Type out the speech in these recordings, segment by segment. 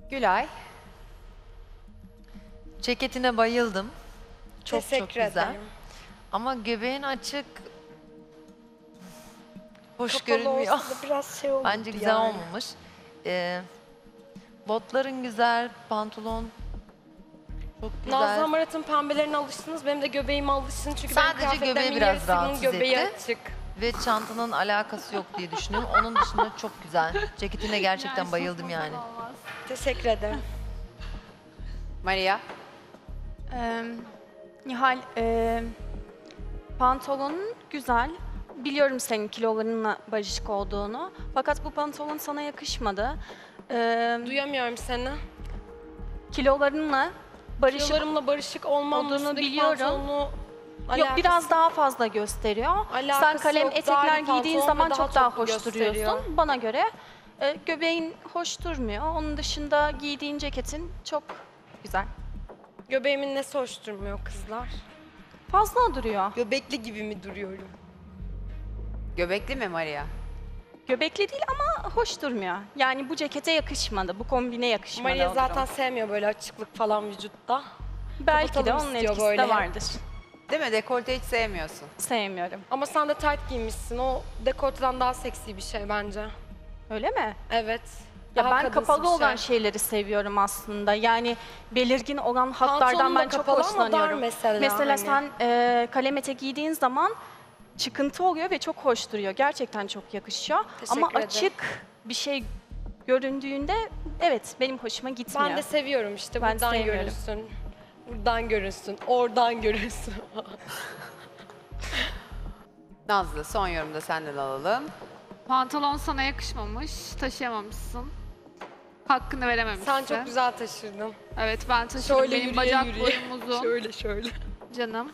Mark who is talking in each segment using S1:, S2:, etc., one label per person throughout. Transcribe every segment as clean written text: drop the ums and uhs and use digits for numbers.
S1: Gülay.
S2: Ceketine bayıldım. Çok
S3: Teşekkür
S2: çok güzel.
S3: ederim.
S2: Ama göbeğin açık. Hoş
S3: Kapalı
S2: görünmüyor.
S3: olsa da biraz şey olurdu
S2: Bence güzel
S3: yani.
S2: olmamış. Botların güzel, pantolon çok güzel.
S3: Nazlı Hamarat'ın pembelerine alıştınız. Benim de göbeğime alışsın. Çünkü
S2: Sadece
S3: benim kıyafetlerimin
S2: göbeği biraz
S3: yarısının
S2: rahatsız
S3: göbeği
S2: etti.
S3: açık.
S2: Ve çantanın alakası yok diye düşünüyorum. Onun dışında çok güzel. Ceketine gerçekten bayıldım yani.
S3: Teşekkür ederim.
S1: Maria.
S4: Nihal, pantolonun güzel. Biliyorum senin kilolarınla barışık olduğunu. Fakat bu pantolon sana yakışmadı.
S3: Duyamıyorum seni.
S4: Kilolarınla barışık
S3: Kilolarımla barışık olmam
S4: olduğunu
S3: üstündeki
S4: biliyorum.
S3: pantolonlu
S4: yok, biraz daha fazla gösteriyor.
S3: Alakası
S4: Sen kalem
S3: yok. Dar
S4: etekler
S3: bir
S4: giydiğin
S3: pantolon
S4: zaman
S3: ve
S4: çok daha
S3: toplu
S4: hoş
S3: gösteriyor.
S4: duruyorsun bana göre. Göbeğin hoş durmuyor. Onun dışında giydiğin ceketin çok güzel.
S3: Göbeğimin nesi hoş durmuyor kızlar?
S4: Fazla duruyor.
S3: Göbekli gibi mi duruyorum?
S1: Göbekli mi Maria?
S4: Göbekli değil ama hoş durmuyor. Yani bu cekete yakışmadı, bu kombine yakışmadı.
S3: Maria
S4: o
S3: zaten
S4: durum.
S3: sevmiyor böyle açıklık falan vücutta.
S4: Belki de
S3: kapatalım
S4: onun
S3: istiyor
S4: etkisi
S3: böyle.
S4: de vardır.
S1: Değil mi? Dekolte hiç sevmiyorsun.
S4: Sevmiyorum.
S3: Ama sen de tight giymişsin. O dekolteden daha seksi bir şey bence.
S4: Öyle mi?
S3: Evet.
S4: Ya
S3: Daha
S4: ben
S3: kadınsı
S4: kapalı
S3: bir
S4: olan
S3: şey.
S4: şeyleri seviyorum aslında. Yani belirgin olan hatlardan
S3: Pantolon da
S4: ben çok
S3: kapalı ama dar
S4: hoşlanıyorum.
S3: mesela hani.
S4: sen kalem etek giydiğin zaman çıkıntı oluyor ve çok hoş duruyor. Gerçekten çok yakışıyor.
S3: Teşekkür
S4: Ama
S3: ederim.
S4: açık bir şey göründüğünde evet benim hoşuma gitmiyor.
S3: Ben de seviyorum işte.
S4: Ben
S3: Buradan
S4: sevmiyorum.
S3: görünsün. Buradan görünsün. Oradan görünsün.
S1: Nazlı son yorumda da senden alalım.
S5: Pantolon sana yakışmamış, taşıyamamışsın. Hakkını verememişsin.
S3: Sen çok güzel taşırdın.
S5: Evet ben taşıyorum.
S3: Şöyle
S5: Benim
S3: yürüye
S5: bacak
S3: yürüye.
S5: boyum uzun.
S3: Şöyle.
S5: Canım.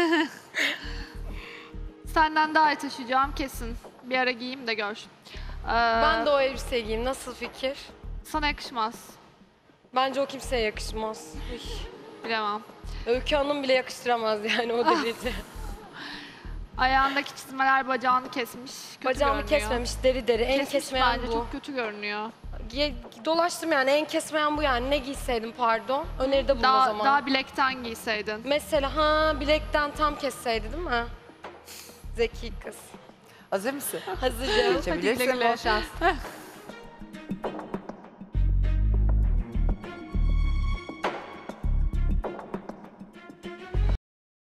S5: Senden daha iyi taşıyacağım kesin. Bir ara giyeyim de gör.
S3: Ben de o elbiseyi giyeyim. Nasıl fikir?
S5: Sana yakışmaz.
S3: Bence o kimseye yakışmaz. Üy.
S5: Bilemem.
S3: Öykü Hanım bile yakıştıramaz yani o derece.
S5: Ayağındaki çizmeler bacağını kesmiş. Kötü
S3: Bacağımı
S5: görünüyor.
S3: kesmemiş deri. En
S5: Kesmiş
S3: kesmeyen
S5: bence
S3: bu.
S5: çok kötü görünüyor.
S3: Dolaştım yani en kesmeyen bu yani. Ne giyseydim pardon. Öneride bulun o zaman.
S5: Daha bilekten giyseydin.
S3: Mesela bilekten tam kesseydi değil mi? Zeki kız.
S1: Hazır mısın?
S3: Hazırım.
S1: Geçebilirsin.
S5: güle güle.
S1: Bol şans.